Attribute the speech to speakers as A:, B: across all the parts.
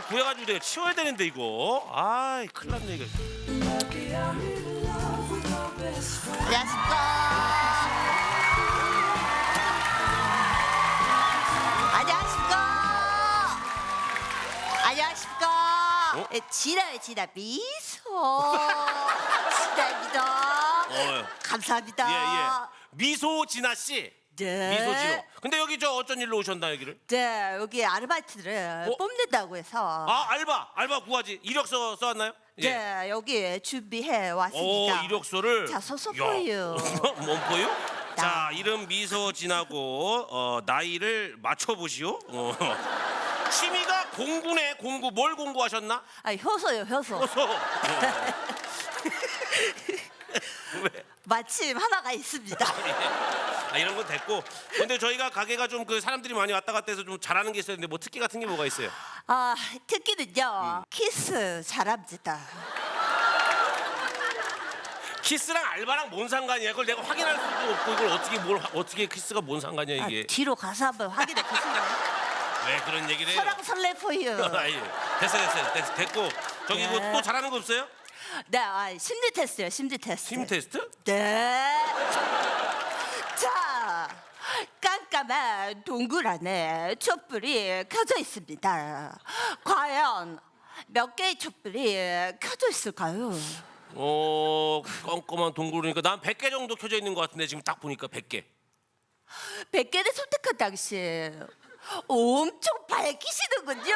A: 구해가지고 내가 치워야 되는데 이거. 아이 큰일 났네 이거.
B: 안녕하십니까. 안녕하십니까. 안녕하십니까.
A: 어?
B: 진아요 진아 미소. 진아입니다. 감사합니다.
A: 예예. 미소 진아 씨.
B: 네.
A: 미소 진호. 근데 여기 저 어쩐 일로 오셨나 여기를?
B: 네, 여기 아르바이트를 뽑는다고 해서
A: 아 알바 구하지. 이력서 써왔나요? 예.
B: 네, 여기 준비해
A: 오
B: 왔습니다.
A: 이력서를.
B: 자, 서서
A: 야.
B: 보여.
A: 뭔 보여? 자 이름 미소 진하고 나이를 맞춰보시오. 취미가 공부네 공부. 뭘 공부하셨나?
B: 아, 효소요, 효소.
A: 왜?
B: 마침 하나가 있습니다.
A: 이런 건 됐고. 근데 저희가 가게가 좀 그 사람들이 많이 왔다 갔다 해서 좀 잘하는 게 있어야 되는데 뭐 특기 같은 게 뭐가 있어요?
B: 아, 특기는요. 키스 잘합니다.
A: 키스랑 알바랑 뭔 상관이야? 그걸 내가 확인할 수도 없고 이걸 어떻게 키스가 뭔 상관이야 이게?
B: 뒤로 가서 한번 확인해 보세요.
A: 왜 그런 얘기를 해요?
B: 서랑 설레포유.
A: 아이, 됐고 저기
B: 네.
A: 뭐 또 잘하는 거 없어요?
B: 네, 심리 테스트요, 심리 테스트.
A: 팀 테스트?
B: 네. 자, 깜깜한 동굴 안에 촛불이 켜져 있습니다. 과연 몇 개의 촛불이 켜져 있을까요?
A: 껌껌한 동굴이니까 난 100개 정도 켜져 있는 것 같은데 지금 딱 보니까 100개.
B: 100개를 선택한 당신 엄청 밝히시는군요.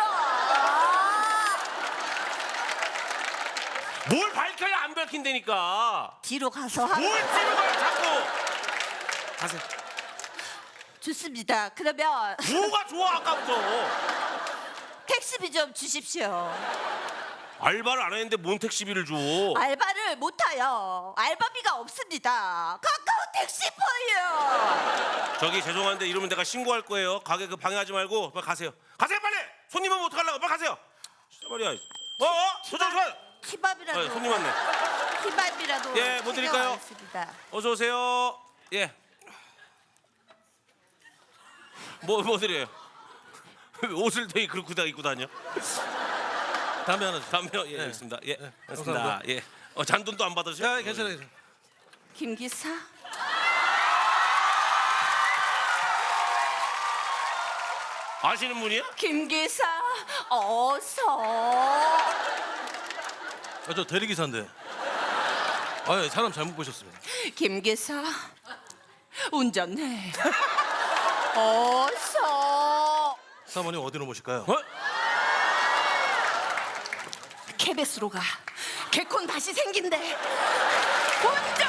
A: 뭘 밝혀야 안 밝힌다니까.
B: 뒤로 가서
A: 뭘 뒤로 가요 자꾸. 가세요.
B: 좋습니다. 그러면
A: 뭐가 좋아 아까부터.
B: 택시비 좀 주십시오.
A: 알바를 안 했는데 뭔 택시비를 줘?
B: 알바를 못해요. 알바비가 없습니다. 가까운 택시퍼요.
A: 저기 죄송한데 이러면 내가 신고할 거예요. 가게 그 방해하지 말고 빨리 가세요. 가세요 빨리. 손님 오면 어떡하려고. 빨리 가세요. 진짜 말이야. 소장.
B: 키밥이라도.
A: 손님 왔네.
B: 키밥이라도.
A: 예, 뭐 드릴까요?
B: 챙겨왔습니다.
A: 어서 오세요. 예. 뭐 드려요? 왜 옷을 되게 그렇게 다 입고 다녀?
C: 담배 하나 주세요.
A: 담배요? 예, 있습니다. 예, 알겠습니다.
C: 감사합니다.
A: 예. 잔돈도 안 받으세요?
C: 야, 괜찮아요.
B: 김 기사.
A: 아시는 분이야?
B: 김 기사 어서.
C: 저 대리기사인데. 아, 사람 잘못 보셨습니다.
B: 김 기사 운전해. 어서.
C: 사모님 어디로 모실까요?
B: 케베스로 가. 개콘 다시 생긴대. 운전.